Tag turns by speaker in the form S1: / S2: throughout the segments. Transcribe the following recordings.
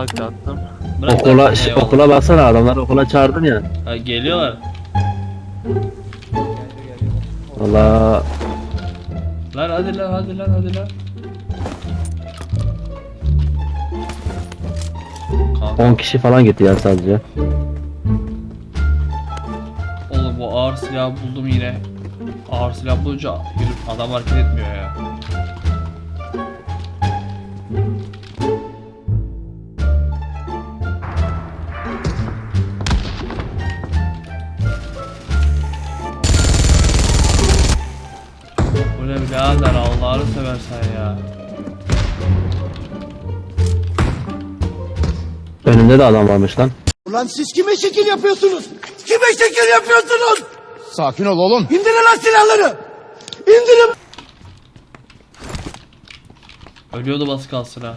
S1: Bak attım.
S2: Bırak
S3: Okula,
S2: lan, eyvallah.
S3: okula baksana, adamlar okula çağırdın ya.
S2: Ha, geliyorlar.
S3: Valla
S2: Lan hadi lan hadi lan hadi lan. Kanka
S3: 10 kişi falan gitti ya sadece.
S2: oğlum bu ağır silah buldum yine. Ağır silah bulunca yürü, adam hareket etmiyor ya. Bu ne birader, Allah'ını seversen ya.
S3: Önümde de adam varmış lan.
S4: Ulan siz kime şekil yapıyorsunuz? Kime şekil yapıyorsunuz?
S5: Sakin ol oğlum.
S4: İndirin lan silahları! İndirin!
S2: Ölüyordu bas kalsın ha.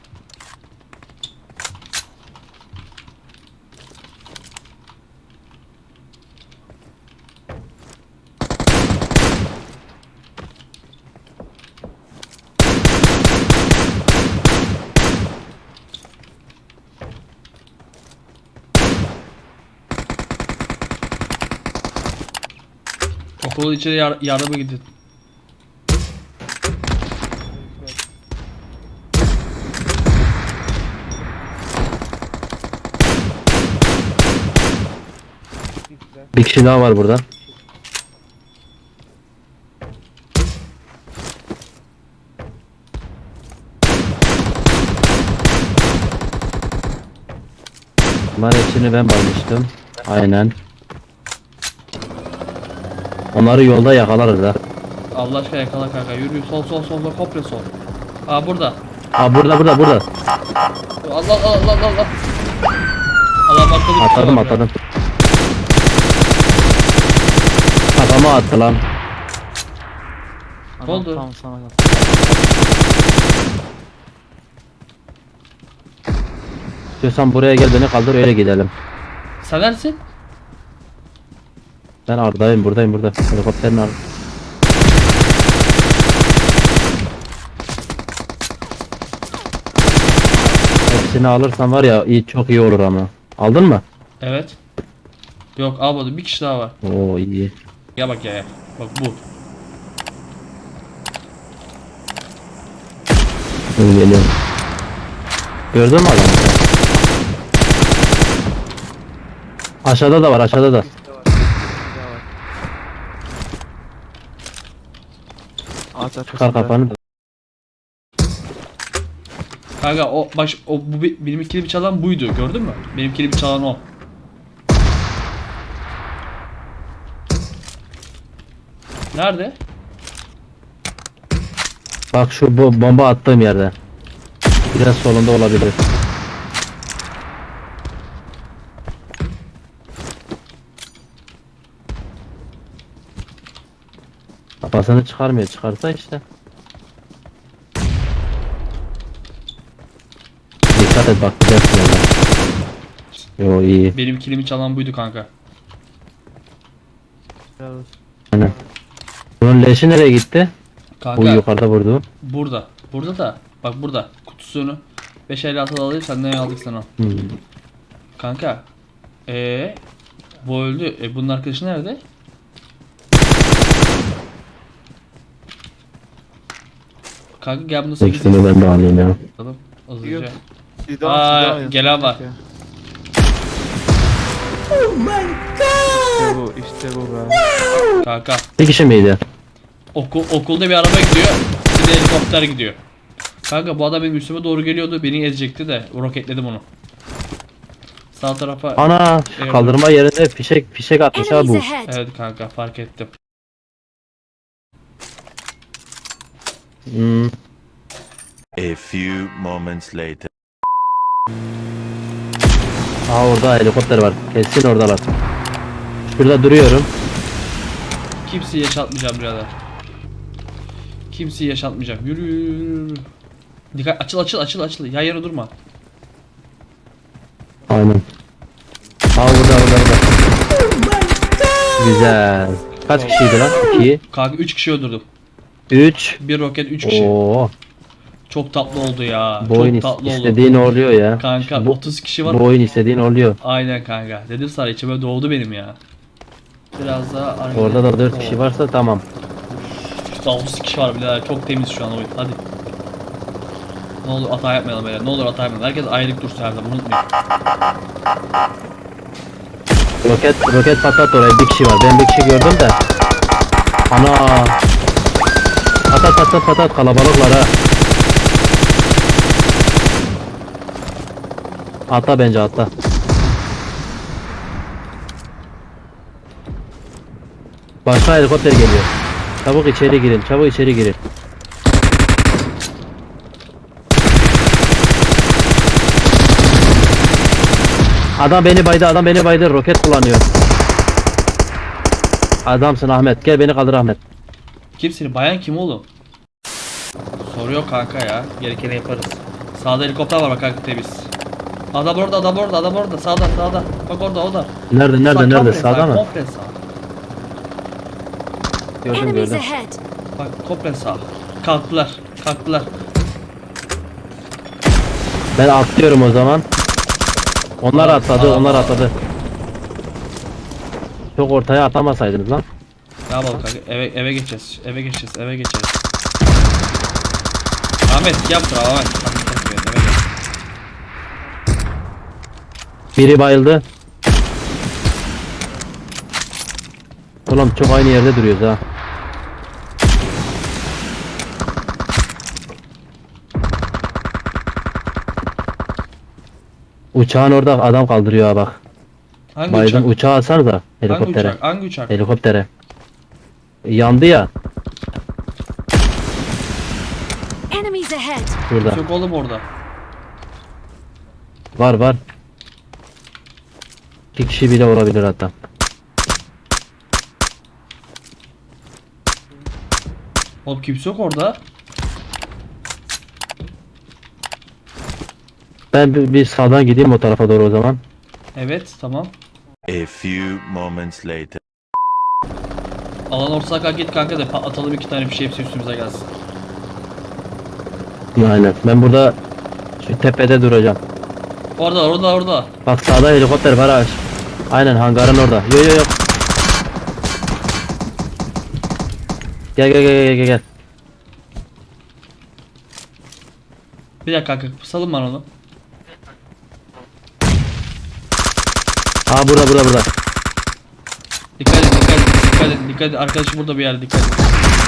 S2: Okulun içeri yardıma gidin.
S3: Bir kişi daha var burada. Bunlar hepsini ben baymıştım. Aynen. Onları yolda yakalarız ha.
S2: Allah aşkına yakala kanka, yürü sol sol sol sol, komple sol. Aa burada.
S3: Aa burada.
S2: Allah Allah Allah Allah. Adam arkalı
S3: Atladım. Kafama attı lan.
S1: Adam
S2: oldu?
S1: tam sana bak.
S3: İstiyorsan buraya gel, beni kaldır, öyle gidelim.
S2: Sen neredesin?
S3: Ben Arda'yım, buradayım. Helikopterin orada. Hepsini alırsan var ya, çok iyi olur ama. Aldın mı?
S2: Evet. Yok almadım, bir kişi daha var.
S3: Oo iyi.
S2: Ya bak ya. Bak bu.
S3: Dur geliyorum. Gördün mü adamı? Aşağıda da var.
S1: Bir daha var. Ağaç
S3: Çıkar
S1: arkasında.
S3: kafanı.
S2: Kanka o bu benim kilimi çalan buydu, gördün mü? Benim kilimi çalan o. Nerede?
S3: Bak şu bomba attığım yerde. Biraz solunda olabilir. Kafasını çıkarmıyor. Çıkarsa işte. Dikkat et, bak gidersin orada. Yo iyi.
S2: Benim kilimi çalan buydu kanka.
S1: Helal olsun.
S3: Aynen. Bunun leşi nereye gitti? Bu
S2: Kanka
S3: yukarıda vurdu.
S2: burada. Burada da bak burada kutusunu 556 alayım, senden aldık sana.
S3: Hmm.
S2: Kanka. Bu öldü. Bunun arkadaşı nerede? Kanka gel bunu 8
S3: İkisini ben de alayım ya.
S2: yapalım. Hızlıca.
S1: Yok.
S2: Gelen var.
S1: İşte bu be.
S2: Kanka.
S3: Bir kişi miydi?
S2: Okulda bir araba gidiyor. Bir de helikopter gidiyor. Kanka bu adam benim üstüme doğru geliyordu. Beni ezecekti de roketledim onu. Sağ tarafa.
S3: Ana
S2: Evet.
S3: kaldırma yerinde fişek atmış ha
S6: Enemies
S3: bu.
S6: ahead.
S2: Evet kanka, fark ettim.
S3: Hmm.
S7: A few moments later.
S3: Aa orada helikopter var. Kesin oradalar. Şurada duruyorum.
S2: Kimseyi yaşatmayacağım birader. Kimseyi yaşatmayacağım. Yürü, yürü. Dikkat, açıl. Yan yana durma.
S3: Aynen. Aa burada. Güzel. Kaç kişiydi lan? 2,
S2: Kanka 3 kişi öldürdüm.
S3: 3.
S2: Bir roket 3 kişi.
S3: Oo.
S2: Çok tatlı oldu ya.
S3: Bu oyun
S2: Çok tatlı oldu.
S3: istediğin oluyor ya.
S2: Kanka
S3: Bu,
S2: 30 kişi var.
S3: bu oyun istediğin oluyor.
S2: Aynen kanka. Dedim sana içime doğdu benim ya. Biraz daha
S3: Orada da 4 kişi varsa tamam.
S2: Daha 30 kişi var bile. Çok temiz şu an oyun. Hadi. Ne olur hata yapmayalım böyle. Ne olur hata yapmayalım. Herkes ayrılık dursun her zaman. Unutmayın.
S3: Roket patlat oraya, bir kişi var. Ben bir kişi gördüm de. Ana. Patat kalabalıklar ha. Atla bence atla. Başka helikopter geliyor. Çabuk içeri girin, çabuk içeri girin. Adam beni baydı, roket kullanıyor. Adamsın Ahmet, gel beni kaldır Ahmet.
S2: Kimsin? Bayan kim oğlum? Soruyor kanka ya. Gerekeni yaparız. Sağda helikopter var bak kanka temiz. Adam orada. Sağda. Bak orada o da.
S3: Nerede,
S2: Bak, komple
S3: sağda
S2: sağ,
S3: mı?
S2: komple sağ.
S5: Enemies ahead.
S2: Bak komple sağ. Kalktılar.
S3: Ben atlıyorum o zaman. Onlar atladı. Çok ortaya atamasaydınız lan.
S2: Ne yapalım kanka? Eve geçeceğiz. Ahmet yaptır Ahmet. Eve geç.
S3: Biri bayıldı. Ulan çok aynı yerde duruyoruz ha. Uçağın orada adam kaldırıyor ha bak.
S2: Hangi
S3: Bayıldım,
S2: uçak?
S3: uçağı alsanıza helikoptere.
S2: Hangi uçak?
S3: Helikoptere. Yandı ya
S5: Enemies ahead.
S3: burada.
S2: Yok oğlum orada.
S3: Var. 2 kişi bile olabilir hatta.
S2: Oğlum kimse yok orada.
S3: Ben bir sağdan gideyim o tarafa doğru o zaman.
S2: Evet tamam.
S7: A few moments later.
S2: Alan ortasına kalk git kanka da patlatalım 2 tane bir şey hepsi üstümüze gelsin.
S3: Aynen. Ben burada şu tepede duracağım.
S2: Orada.
S3: Bak sağda helikopter var ha. Aynen hangarın orada. Yo. Gel.
S2: Bir dakika kanka salın bana onu.
S3: Aa burada.
S2: Dikkat edin. Arkadaşım burada bir yerde dikkat edin.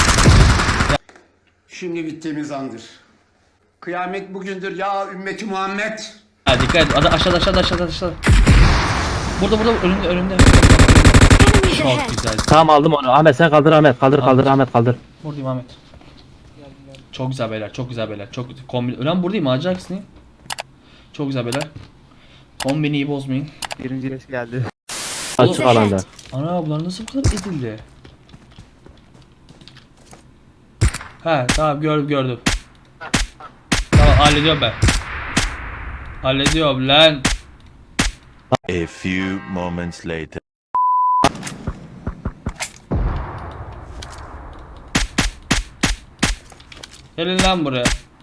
S4: Şimdi bittiğimiz andır. Kıyamet bugündür ya ümmeti Muhammed.
S2: Ha dikkat et. Aşağıda. Burada önünde.
S5: Enemies
S2: Çok
S5: ahead.
S2: güzel.
S3: Tamam aldım onu. Ahmet sen kaldır Ahmet. Kaldır Ahmet kaldır.
S2: Buradayım Ahmet. Çok güzel beyler. Çok kombin. Ölen buradayım ağacı aksini. Çok güzel beyler. Kombini iyi bozmayın.
S1: Birinci leş geldi.
S3: Açık alanda.
S2: Ana bunlar nasıl bu kadar ezildi? He tamam gördüm. Tamam hallediyorum lan.
S7: A few moments later.
S2: Gelin lan buraya.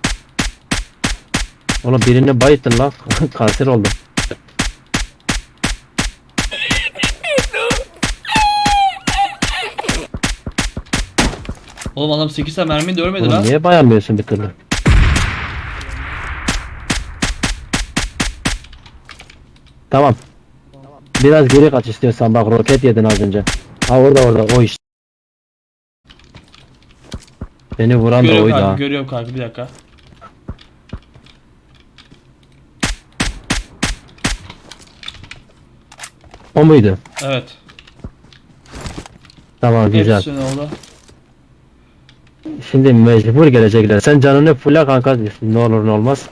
S3: Oğlum birini bayıttın lan. Kanser oldum.
S2: Oğlum adam 8 tane mermi de ölmedi
S3: Oğlum
S2: lan.
S3: niye bayanmıyorsun bir türlü? Tamam. Biraz geri kaç istiyorsan bak roket yedin az önce. Ha orada o işte. Beni vuran da oydu ha.
S2: Görüyorum kanka bir dakika.
S3: O muydu?
S2: Evet.
S3: Tamam güzel.
S2: Hepsini orada.
S3: Şimdi mecbur gelecekler. Sen canını fulla kanka ne olur ne olmaz.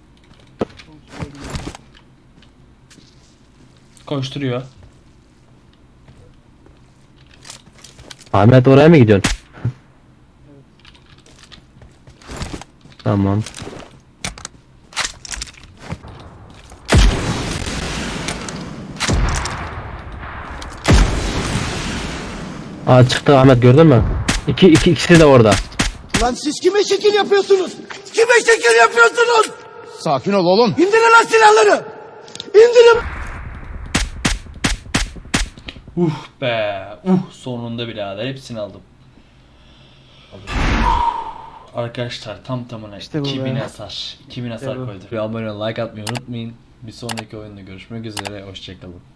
S2: Koşturuyor.
S3: Ahmet oraya mı gidiyorsun? Tamam. Aa çıktı Ahmet gördün mü? İkisi de orada.
S6: Lan siz kime şekil yapıyorsunuz? Kime şekil yapıyorsunuz? Sakin ol oğlum. İndirin lan silahları. İndirin.
S2: Be. Sonunda birader hepsini aldım. Arkadaşlar tam tamına
S1: İşte bu
S2: 2000
S1: be.
S2: hasar. 2000 hasar
S1: bu.
S2: koyduk. Bir abone ol, like atmayı unutmayın. Bir sonraki oyunda görüşmek üzere. Hoşçakalın.